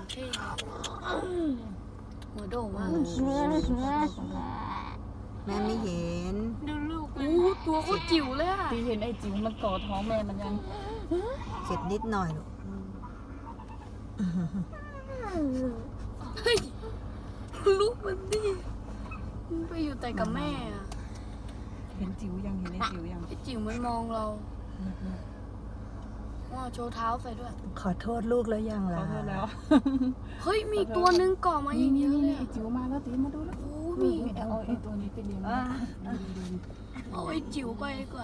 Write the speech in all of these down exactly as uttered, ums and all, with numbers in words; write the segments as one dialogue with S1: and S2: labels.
S1: เข้หัวโด่มาก
S2: แม่ไม่เห็น
S1: ดูลูกอู้ตัวโคตรจิ๋วเลยอะ
S3: ตีเห็นไอ้จิ๋วมันก่อท้องแม่มันยัง
S2: เจ็บนิดหน่อยลูก
S1: เฮ้ยลูกมันดิมันไปอยู่แต่กับแม่อะ
S3: เห็นจิ๋วยังเห็นไอ้จิ๋วยัง
S1: ไอ้จิ๋วมันมองเราว้าวโชว์เท้าใส่ด้วย
S2: ขอโทษลูกแล้วยัง
S3: ขอ
S2: ล่ะ
S3: โทษแล้ว
S1: เฮ้ยมีตัวนึงก่อมาอย่างเยอะเลย
S3: ไอ้
S1: อะ
S3: จิ๋วมาแล้วตีมาดูแล้ว
S1: โอ้
S3: มี
S1: มี
S3: เอาไอ้ตัวนี้ไปเลี้ยง
S1: เอาไอ้จิ๋วไปดีกว่า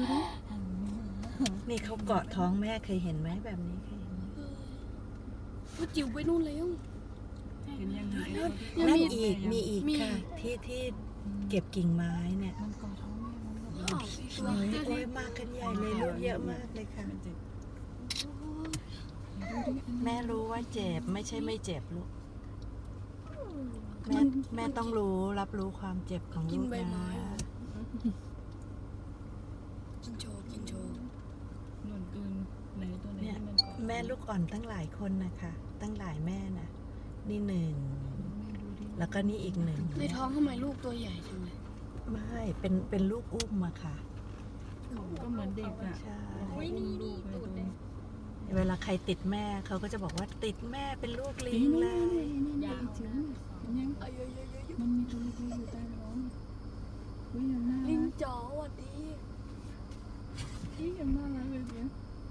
S2: นี่เขาเกาะท้องแม่เคยเห็นไหมแบบนี้เคยเห็นไหม
S1: เอาจิ๋วไปนู่นแล้ว
S3: เห็นยังเห็น
S1: ยั
S2: นั่
S1: ง
S2: น
S1: มี
S2: อีกมีอีก
S1: มี
S2: ค่ะที่ที่เก็บกิ่งไม้เนี่ย
S3: มันก่อท้องแม่มัน
S1: อ้าวอีกตัว
S2: โอ้ย
S1: เดี๋ยว
S2: โอ้
S1: ดิ
S2: ยมากันใหญ่เลยลูกเยอะมากเลยค่ะ
S3: มันเจ็บ
S2: แม่รู้ว่าเจ็บไม่ใช่ไม่เจ็บลูกแม่แม่ต้องรู้รับรู้ความเจ็บของ
S1: กิ
S2: ลู
S1: น
S2: ก
S1: ใบ
S2: นะ
S1: ไม้กินโชว์กินโชว์
S3: หนุนกลืนในตัวไหน
S2: เนี่ย
S3: ที่มันก่อ
S2: แม่ลูกอ่อนตั้งหลายคนนะคะตั้งหลายแม่นะนี่หนึ่งแล้วก็นี่อีกหนึ่ง
S1: ในท้องทำไมลูกตัวใหญ่จังเลย
S2: ไม่เป็นเป็นลูกอุ้มอะค่ะ
S3: ก็เหมือนเด็กอ่ะ
S2: ใช่
S3: อุ้ยนี่นี่ตูดเลย
S2: เวลาใครติดแม่เขาก็จะบอกว่าติดแม่เป็นลูกลิงเลย
S3: ยาวจิ๋วมันยัง
S1: เอ้ยเอ้ยเอ้ยเอ้ย
S3: มันมีตัวเล็กๆอยู่ใต้ท้องอุ้ยยังน่า
S1: ลิ
S3: รั
S1: ง
S3: ก
S1: จ๋อสวัสดี
S3: อุ้ยยังน่ารักเลยเนี่ย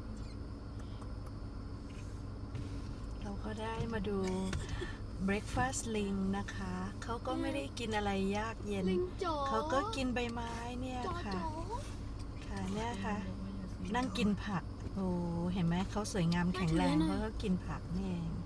S2: เราก็ได้มาดู breakfast ลิงนะคะเขาก็ไม่ได้กินอะไรยากเย็น
S1: ลิงจ๋อ
S2: เขาก็กินใบไม้เนี่ย
S1: จ๋อ
S2: ค่ะ
S1: จ๋อ
S2: ค่ะเนี่ยค่ะ นั่งกินผักโอ้เห็นไหมเขาสวยงามแข็งแรงเพราะเขากินผักนี่เอง